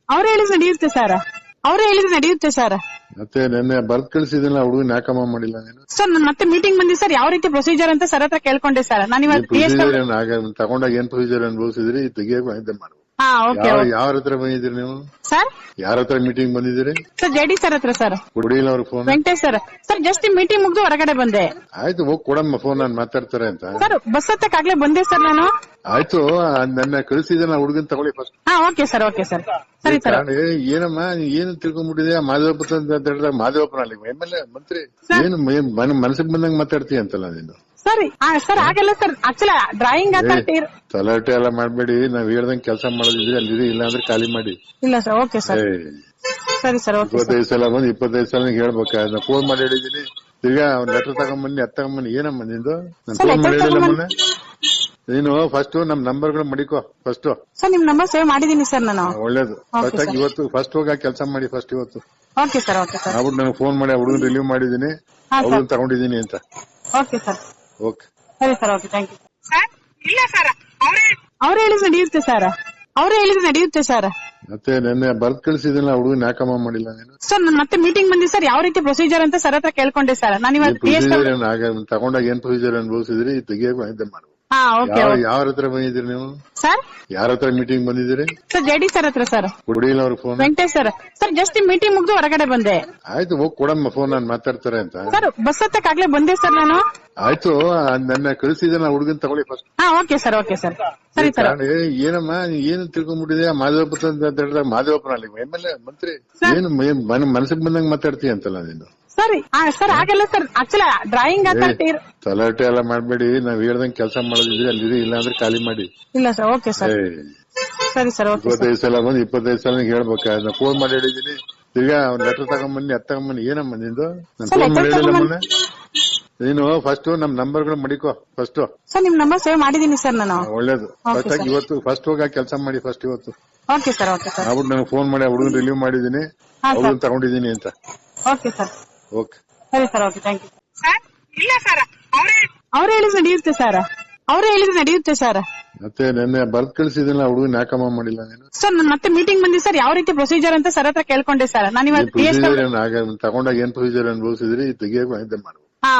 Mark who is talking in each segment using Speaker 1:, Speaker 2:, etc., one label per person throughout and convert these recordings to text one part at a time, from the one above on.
Speaker 1: ಅವ್ರು ಹೇಳಿದ್ರೆ ನಡೆಯುತ್ತೆ ಸರ್. ಅವ್ರು ಹೇಳಿದ್ರೆ ನಡೆಯುತ್ತೆ ಸರ್.
Speaker 2: ಮತ್ತೆ ನೆನ್ನೆ ಬರ್ದ್ ಕಳ್ಸಿದಿಲ್ಲ ಹುಡುಗನ್ ಯಾಕಮ್ಮ ಮಾಡಿಲ್ಲ ನೀನು?
Speaker 1: ಸರ್ ನಾನು ಮತ್ತೆ ಮೀಟಿಂಗ್ ಬಂದಿ ಸರ್, ಯಾವ ರೀತಿ ಪ್ರೊಸೀಜರ್ ಅಂತ ಸರ್ ಹತ್ರ ಕೇಳ್ಕೊಂಡೆ ಸರ್. ನಾನು ಇವತ್ತು
Speaker 2: ಪ್ರೊಸೀಜರ್ ತಗೊಂಡಾಗ ಏನ್ ಪ್ರೊಸೀಜರ್ ಅನುಭವಿಸಿದ್ರಿ ತೆಗಿಯಕ್ ಇದ್ದ ಮಾಡು. ಯಾರ ಹತ್ರ ಬಂದಿದ್ದೀರಿ ನೀವು
Speaker 1: ಸರ್?
Speaker 2: ಯಾರ ಹತ್ರ ಮೀಟಿಂಗ್ ಬಂದಿದ್ದೀರಿ
Speaker 1: ಸರ್? ಜೆಡಿ ಸರ್ ಹತ್ರ ಸರ್.
Speaker 2: ಕೊಡಿಲ್ಲ ಅವ್ರ phone.
Speaker 1: Venkatesh sir. Sir just meeting ಮುಗ್ದು ಹೊರಗಡೆ ಬಂದೆ.
Speaker 2: ಆಯ್ತು ಹೋಗ್ ಕೊಡಮ್ಮ ಫೋನ್, ನಾನು ಮಾತಾಡ್ತಾರೆ ಅಂತ.
Speaker 1: ಸರ್ ಬಸ್ ಹತ್ತಕ್ಕಾಗ್ಲೇ ಬಂದೆ ಸರ್ ನಾನು.
Speaker 2: ಆಯ್ತು ನನ್ನ ಕಳಿಸಿದ ಹುಡುಗನ್ ತಗೊಳ್ಳಿ first.
Speaker 1: Okay sir, okay sir, ಸರಿ ಸರ್.
Speaker 2: ಏನಮ್ಮ ಏನು ತಿಳ್ಕೊಂಡ್ಬಿಟ್ಟಿದೆ ಮಾದೇವಪ್ಪ ಅಂತ ಹೇಳಿದಾಗ ಮಾದೇವಪ್ಪನ ಅಲ್ಲಿ MLA ಮಂತ್ರಿ ಏನು ಮನಸ್ಸಿಗೆ ಬಂದಂಗ್ ಮಾತಾಡ್ತೀಯ ಅಂತಲ್ಲ ನೀನು.
Speaker 1: ಸರಿ ಸರ್ ಆಗಲ್ಲ ಸರ್, ಆಕ್ಚುಲಿ ಡ್ರಾಯಿಂಗ್
Speaker 2: ತಲಾಟೆ ಎಲ್ಲ ಮಾಡ್ಬೇಡಿ. ನಾವ್ ಹೇಳ್ದಂಗ್ ಕೆಲಸ ಮಾಡೋದಿದ್ರೆ ಅಲ್ಲಿ ಇಲ್ಲ ಅಂದ್ರೆ ಖಾಲಿ ಮಾಡಿ.
Speaker 1: ಇಲ್ಲ ಸರ್, ಓಕೆ ಸರ್, ಸರಿ ಸರ್.
Speaker 2: 25 ಸಲ ಬಂದು 25 ಸಲ ಹೇಳ್ಬೇಕ. ನಾ ಫೋನ್ ಮಾಡಿ ಹೇಳಿದೀನಿ, ತಿರ್ಗಾ ಲೆಟರ್ ತಗೊಂಬನ್ನಿ ಅದ್ ತಗೊಂಬನ್ನಿ. ಏನಮ್ಮ ನಿಂದು? ನಾನು ಫೋನ್ ಮಾಡಿ ಹೇಳಿಲ್ಲ ಮೊನ್ನೆ. ನೀನು ಫಸ್ಟ್ ನಮ್ ನಂಬರ್ಗಳು ಮಡಿಕೋ ಫಸ್ಟ್.
Speaker 1: ಸರ್ ನಿಮ್ ನಂಬರ್ ಸೇವ್ ಮಾಡಿದೀನಿ ಸರ್ ನಾನು.
Speaker 2: ಒಳ್ಳೇದು. ಫಸ್ಟ್ ಆಗಿ ಇವತ್ತು ಫಸ್ಟ್ ಹೋಗಿ ಕೆಲಸ ಮಾಡಿ ಫಸ್ಟ್ ಇವತ್ತು.
Speaker 1: Okay sir, okay sir.
Speaker 2: ಆಗ್ಬಿಟ್ಟು ನನಗೆ ಫೋನ್ ಮಾಡಿ ಹುಡುಗನ್ ರಿಲೀವ್ ಮಾಡಿದೀನಿ, ಹುಡುಗನ್ ತಗೊಂಡಿದೀನಿ ಅಂತ.
Speaker 1: ಓಕೆ ಸರ್,
Speaker 2: ಓಕೆ
Speaker 1: ಸರಿ sir, okay, thank you sir. ಇಲ್ಲ ಸರ್, ಅವ್ರು ಹೇಳಿದ್ರೆ ನಡೆಯುತ್ತೆ ಸರ್. ಅವ್ರು ಹೇಳಿದ್ರೆ ನಡೆಯುತ್ತೆ ಸರ್.
Speaker 2: ಮತ್ತೆ ನೆನ್ನೆ ಬರ್ದ್ ಕಳ್ಸಿದಿಲ್ಲ ಹುಡುಗನ್ ಯಾಕಮ್ಮ ಮಾಡಿಲ್ಲ ನೀನು?
Speaker 1: ಸರ್ ನಾನು ಮತ್ತೆ ಮೀಟಿಂಗ್ ಬಂದಿ ಸರ್, ಯಾವ ರೀತಿ ಪ್ರೊಸೀಜರ್ ಅಂತ ಸರ್ ಹತ್ರ ಕೇಳ್ಕೊಂಡೆ ಸರ್. ನಾನು ಇವತ್ತು
Speaker 2: ತಗೊಂಡಾಗ ಏನ್ ಪ್ರೊಸೀಜರ್ ಅನುಭವಿಸಿದ್ರಿ ತೆಗಿಯಕ್ ಇದ್ದ ಮಾಡು. ಯಾರ ಹತ್ರ ಬಂದಿದ್ದೀರಿ ನೀವು
Speaker 1: ಸರ್?
Speaker 2: ಯಾರ ಹತ್ರ ಮೀಟಿಂಗ್ ಬಂದಿದ್ದೀರಿ?
Speaker 1: ಸರ್ ಜೆಡಿ ಸರ್ ಹತ್ರ ಸರ್.
Speaker 2: ಕೊಡಿಲ್ಲ ಅವ್ರ phone.
Speaker 1: Venkatesh sir. Sir just meeting ಮುಗ್ದು ಹೊರಗಡೆ ಬಂದೆ.
Speaker 2: ಆಯ್ತು ಹೋಗ್ ಕೊಡಮ್ಮ ಫೋನ್, ನಾನು ಮಾತಾಡ್ತಾರೆ ಅಂತ.
Speaker 1: ಸರ್ ಬಸ್ ಹತ್ತಕ್ಕಾಗ್ಲೇ ಬಂದೆ ಸರ್ ನಾನು.
Speaker 2: ಆಯ್ತು ನನ್ನ ಕಳಿಸಿದ ಹುಡುಗನ್ ತಗೊಳ್ಳಿ first.
Speaker 1: Okay sir, okay sir, ಸರಿ ಸರ್.
Speaker 2: ಏನಮ್ಮ ಏನು ತಿಳ್ಕೊಂಡ್ಬಿಟ್ಟಿದೆ ಮಾದೇವಪ್ಪ ಅಂತ ಹೇಳಿದಾಗ ಮಾದೇವಪ್ಪನ ಅಲ್ಲಿ MLA ಮಂತ್ರಿ ಏನು ಮನಸ್ಸಿಗೆ ಬಂದಂಗ್ ಮಾತಾಡ್ತೀಯ ಅಂತಲ್ಲ ನೀನು.
Speaker 1: ಸರಿ ಸರ್ ಆಗಲ್ಲ ಸರ್, ಆಕ್ಚುಲಿ ಡ್ರಾಯಿಂಗ್
Speaker 2: ತಲಾಟೆ ಎಲ್ಲ ಮಾಡ್ಬೇಡಿ. ನಾವ್ ಹೇಳ್ದಂಗ್ ಕೆಲಸ ಮಾಡೋದಿದ್ರೆ ಅಲ್ಲಿ ಇಲ್ಲ ಅಂದ್ರೆ ಖಾಲಿ ಮಾಡಿ.
Speaker 1: ಇಲ್ಲ ಸರ್, ಓಕೆ ಸರ್, ಸರಿ ಸರ್.
Speaker 2: 25 ಸಲ ಬಂದು 25 ಸಲ ಹೇಳ್ಬೇಕ. ನಾ ಫೋನ್ ಮಾಡಿ ಹೇಳಿದೀನಿ, ತಿರ್ಗಾ ಲೆಟರ್ ತಗೊಂಬನ್ನಿ ಅದ್ ತಗೊಂಬನ್ನಿ. ಏನಮ್ಮ ನಿಂದು? ನಾನು ಫೋನ್ ಮಾಡಿ ಹೇಳಿಲ್ಲ ಮೊನ್ನೆ. ನೀನು ಫಸ್ಟ್ ನಮ್ ನಂಬರ್ಗಳು ಮಡಿಕೋ ಫಸ್ಟ್.
Speaker 1: ಸರ್ ನಿಮ್ ನಂಬರ್ ಸೇವ್ ಮಾಡಿದೀನಿ ಸರ್ ನಾನು.
Speaker 2: ಒಳ್ಳೇದು. ಫಸ್ಟ್ ಆಗಿ ಇವತ್ತು ಫಸ್ಟ್ ಹೋಗಿ ಕೆಲಸ ಮಾಡಿ ಫಸ್ಟ್ ಇವತ್ತು.
Speaker 1: Okay sir, okay sir.
Speaker 2: ಆಗ್ಬಿಟ್ಟು ನನಗೆ ಫೋನ್ ಮಾಡಿ ಹುಡುಗನ್ ರಿಲೀವ್ ಮಾಡಿದೀನಿ, ಹುಡುಗನ್ ತಗೊಂಡಿದೀನಿ ಅಂತ.
Speaker 1: ಓಕೆ ಸರ್,
Speaker 2: ಓಕೆ,
Speaker 1: ಸರಿ sir, okay, thank you sir. ಇಲ್ಲ ಸರ್, ಅವ್ರು ಹೇಳಿದ್ರೆ ನಡೆಯುತ್ತೆ ಸರ್. ಅವ್ರು ಹೇಳಿದ್ರೆ ನಡೆಯುತ್ತೆ ಸರ್.
Speaker 2: ಮತ್ತೆ ನೆನ್ನೆ ಬರ್ದ್ ಕಳ್ಸಿದಿಲ್ಲ ಹುಡುಗನ್ ಯಾಕಮ್ಮ ಮಾಡಿಲ್ಲ ನೀನು?
Speaker 1: ಸರ್ ನಾನು ಮತ್ತೆ ಮೀಟಿಂಗ್ ಬಂದಿ ಸರ್, ಯಾವ ರೀತಿ ಪ್ರೊಸೀಜರ್ ಅಂತ ಸರ್ ಹತ್ರ ಕೇಳ್ಕೊಂಡೆ ಸರ್. ನಾನು ಇವತ್ತು
Speaker 2: ತಗೊಂಡಾಗ ಏನ್ ಪ್ರೊಸೀಜರ್ ಅನುಭವಿಸಿದ್ರಿ ತೆಗಿಯಕ್ ಇದ್ದ ಮಾಡು.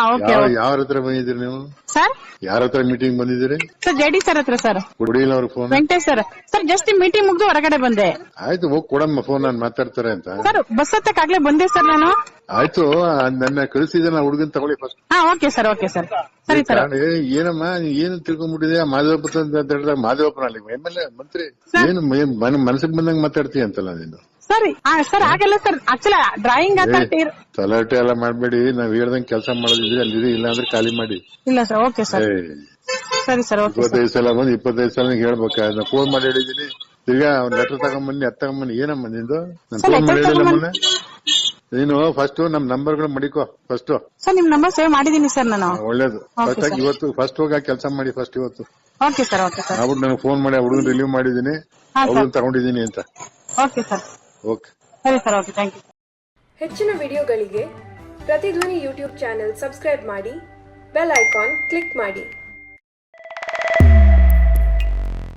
Speaker 2: ಯಾರ ಹತ್ರ ಬಂದಿದ್ದೀರಿ ನೀವು
Speaker 1: ಸರ್?
Speaker 2: ಯಾರ ಹತ್ರ ಮೀಟಿಂಗ್ ಬಂದಿದ್ದೀರಿ?
Speaker 1: ಸರ್ ಜೆಡಿ ಸರ್ ಹತ್ರ ಸರ್.
Speaker 2: ಕೊಡಿಲ್ಲ ಅವ್ರ phone.
Speaker 1: Venkatesh sir. Sir just meeting ಮುಗ್ದು ಹೊರಗಡೆ ಬಂದೆ.
Speaker 2: ಆಯ್ತು ಹೋಗ್ ಕೊಡಮ್ಮ ಫೋನ್, ನಾನು ಮಾತಾಡ್ತಾರೆ ಅಂತ.
Speaker 1: ಸರ್ ಬಸ್ ಹತ್ತಕ್ಕಾಗ್ಲೇ ಬಂದೆ ಸರ್ ನಾನು.
Speaker 2: ಆಯ್ತು ನನ್ನ ಕಳಿಸಿದ ಹುಡುಗನ್ ತಗೊಳ್ಳಿ first.
Speaker 1: Okay sir, okay sir, ಸರಿ ಸರ್.
Speaker 2: ಏನಮ್ಮ ಏನು ತಿಳ್ಕೊಂಡ್ಬಿಟ್ಟಿದೆ ಮಾದೇವಪ್ಪ ಅಂತ ಹೇಳಿದಾಗ ಮಾದೇವಪ್ಪನ ಅಲ್ಲಿ MLA ಮಂತ್ರಿ ಏನು ಮನಸ್ಸಿಗೆ ಬಂದಂಗ್ ಮಾತಾಡ್ತೀಯ ಅಂತಲ್ಲ ನೀನು.
Speaker 1: ಸರಿ ಸರ್ ಆಗಲ್ಲ ಸರ್, ಆಕ್ಚುಲಿ ಡ್ರಾಯಿಂಗ್
Speaker 2: ತಲಾಟೆ ಎಲ್ಲ ಮಾಡ್ಬೇಡಿ. ನಾವ್ ಹೇಳ್ದಂಗ್ ಕೆಲಸ ಮಾಡೋದಿದ್ರೆ ಅಲ್ಲಿ ಇಲ್ಲ ಅಂದ್ರೆ ಖಾಲಿ ಮಾಡಿ.
Speaker 1: ಇಲ್ಲ ಸರ್, ಓಕೆ ಸರ್, ಸರಿ ಸರ್.
Speaker 2: 25 ಸಲ ಬಂದು 25 ಸಲ ಹೇಳ್ಬೇಕ. ನಾ ಫೋನ್ ಮಾಡಿ ಹೇಳಿದೀನಿ, ತಿರ್ಗಾ ಲೆಟರ್ ತಗೊಂಬನ್ನಿ ಅದ್ ತಗೊಂಬನ್ನಿ. ಏನಮ್ಮ ನಿಂದು? ನಾನು ಫೋನ್ ಮಾಡಿ ಹೇಳಿಲ್ಲ ಮೊನ್ನೆ. ನೀನು ಫಸ್ಟ್ ನಮ್ ನಂಬರ್ಗಳು ಮಡಿಕೋ ಫಸ್ಟ್.
Speaker 1: ಸರ್ ನಿಮ್ ನಂಬರ್ ಸೇವ್ ಮಾಡಿದೀನಿ ಸರ್ ನಾನು.
Speaker 2: ಒಳ್ಳೇದು. ಫಸ್ಟ್ ಆಗಿ ಇವತ್ತು ಫಸ್ಟ್ ಹೋಗಿ ಕೆಲಸ ಮಾಡಿ ಫಸ್ಟ್ ಇವತ್ತು.
Speaker 1: Okay sir, okay sir.
Speaker 2: ಆಗ್ಬಿಟ್ಟು ನನಗೆ ಫೋನ್ ಮಾಡಿ ಹುಡುಗನ್ ರಿಲೀವ್ ಮಾಡಿದೀನಿ, ಹುಡುಗನ್ ತಗೊಂಡಿದೀನಿ ಅಂತ.
Speaker 1: ಓಕೆ ಸರ್,
Speaker 2: ಓಕೆ,
Speaker 1: ಸರಿ ಸರ್, ಓಕೆ, ಥ್ಯಾಂಕ್ ಯು.
Speaker 3: ಹೆಚ್ಚಿನ ವಿಡಿಯೋಗಳಿಗೆ ಪ್ರತಿಧ್ವನಿ ಯೂಟ್ಯೂಬ್ ಚಾನೆಲ್ ಸಬ್ಸ್ಕ್ರೈಬ್ ಮಾಡಿ, ಬೆಲ್ ಐಕಾನ್ ಕ್ಲಿಕ್ ಮಾಡಿ.